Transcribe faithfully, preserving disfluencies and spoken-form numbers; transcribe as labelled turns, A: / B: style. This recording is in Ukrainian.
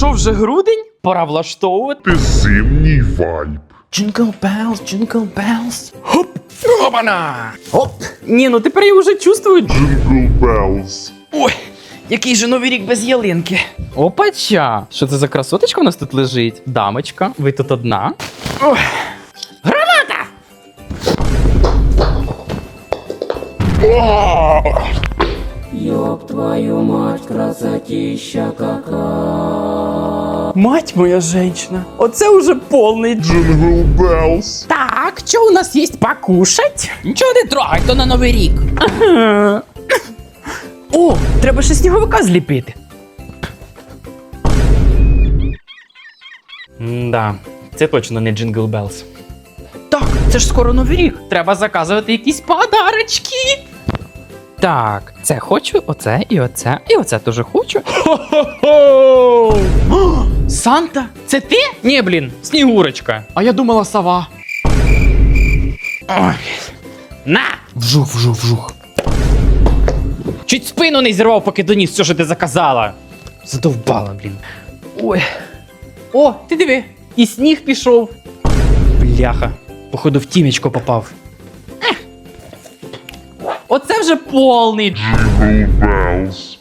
A: Що, вже грудень? Пора влаштовувати.
B: Зимній вайб.
A: Jingle bells, jingle bells. Хоп! Опана! Хоп! Ні, ну тепер я вже чувствую.
B: Jingle bells.
A: Ой, який же новий рік без ялинки. Опача! Що це за красоточка у нас тут лежить? Дамочка, ви тут одна? Ой. Граната!
C: Ёб твою мать, красотища какая.
A: Мать моя женщина, оце уже повний.
B: Jingle bells.
A: Так, що у нас є покушать? Нічого не трогай, то на новий рік. О, треба ще сніговика зліпити. Да, це точно не Jingle Bells. Так, це ж скоро новий рік. Треба заказувати якісь подарочки. Так, це хочу, оце і оце, і оце теж хочу. Хо-хо-хо! О, Санта, це ти? Ні, блін, Снігурочка. А я думала сова. Ой. На! Вжух, вжух, вжух. Чуть спину не зірвав, поки доніс все, що ти заказала. Задовбала, блін. Ой. О, ти диви, і сніг пішов. Бляха, походу в тімечко попав. Ех. Оце вже повний.
B: Jingle bells.